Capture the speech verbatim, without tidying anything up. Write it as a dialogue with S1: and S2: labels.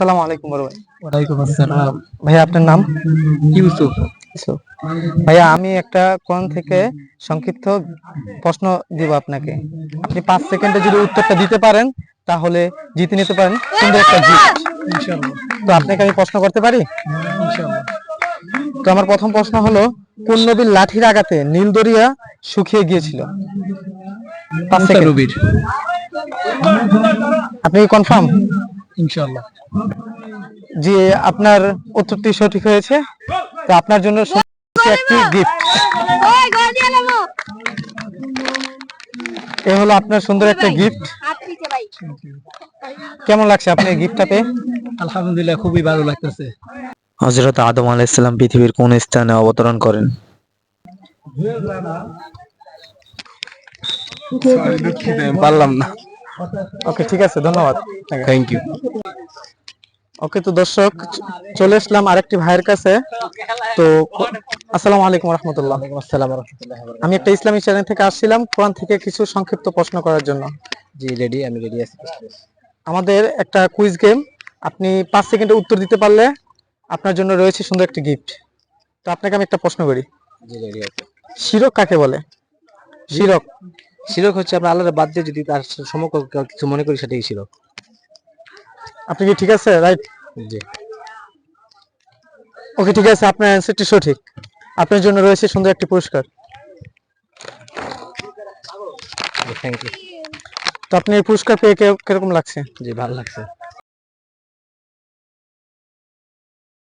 S1: আসসালামু আলাইকুম বড় ভাই।
S2: ওয়ালাইকুম আসসালাম।
S1: ভাইয়া আপনার নাম?
S2: ইউসুফ।
S1: ইউসুফ। ভাইয়া আমি একটা কোরআন থেকে সংক্ষিপ্ত প্রশ্ন দিব আপনাকে। আপনি পাঁচ সেকেন্ডে যদি উত্তরটা দিতে পারেন তাহলে জিতে নিতে পারেন সুন্দর একটা গিফট।
S2: ইনশাআল্লাহ।
S1: তো আপনাকে আমি প্রশ্ন করতে পারি?
S2: ইনশাআল্লাহ।
S1: তো আমার প্রথম প্রশ্ন হলো, কোন নবীর লাঠির আঘাতে নীল দরিয়া শুকিয়ে গিয়েছিল? পাঁচ
S2: মুসা
S1: সেকেন্ড।
S2: নবীর।
S1: আপনি কি কনফার্ম?
S2: ইনশাআল্লাহ।
S1: জি, আপনার উত্তরটি সঠিক হয়েছে। তো আপনার জন্য একটি গিফট। এ হলো আপনার সুন্দর একটা গিফট। কেমন লাগছে আপনি গিফটটা পেয়ে?
S2: আলহামদুলিল্লাহ, খুবই ভালো লাগতেছে।
S3: হযরত আদম আলাইহিস সালাম পৃথিবীর কোন স্থানে অবতরণ করেন?
S2: পারলাম না।
S1: ওকে, ঠিক আছে, ধন্যবাদ।
S2: Thank you.
S1: ওকে, তো দর্শক চলে আসলাম আরেকটি ভাইয়ের কাছে। তো আসসালামু আলাইকুম রাহমাতুল্লাহ।
S2: আসসালাম ওয়া রাহমাতুল্লাহি ওয়া বারাকাতুহু।
S1: আমি একটা ইসলামী চ্যানেল থেকে আসছিলাম কোরআন থেকে কিছু সংক্ষিপ্ত প্রশ্ন করার জন্য।
S2: জি রেডি, আমি রেডি আছি।
S1: আমাদের একটা কুইজ গেম। আপনি পাঁচ সেকেন্ডে উত্তর দিতে পারলে আপনার জন্য রয়েছে সুন্দর একটি গিফট। তো আপনাকে আমি একটা প্রশ্ন করি।
S2: জি রেডি আছে।
S1: শিরক কাকে বলে? শিরক।
S2: শিরক হচ্ছে আমরা আল্লাহর বাদ দিয়ে যদি তার সমকক্ষ কিছু মনে করি, সেটাই শিরক।
S1: আপনি কি ঠিক আছে? রাইট।
S2: জি।
S1: ওকে, ঠিক আছে, আপনার অ্যানসারটি সঠিক। আপনার জন্য রয়েছে সুন্দর একটি পুরস্কার।
S2: Thank you.
S1: তো আপনি এই পুরস্কার পেয়ে কে- কিরকম লাগছে?
S2: জি ভালো লাগছে।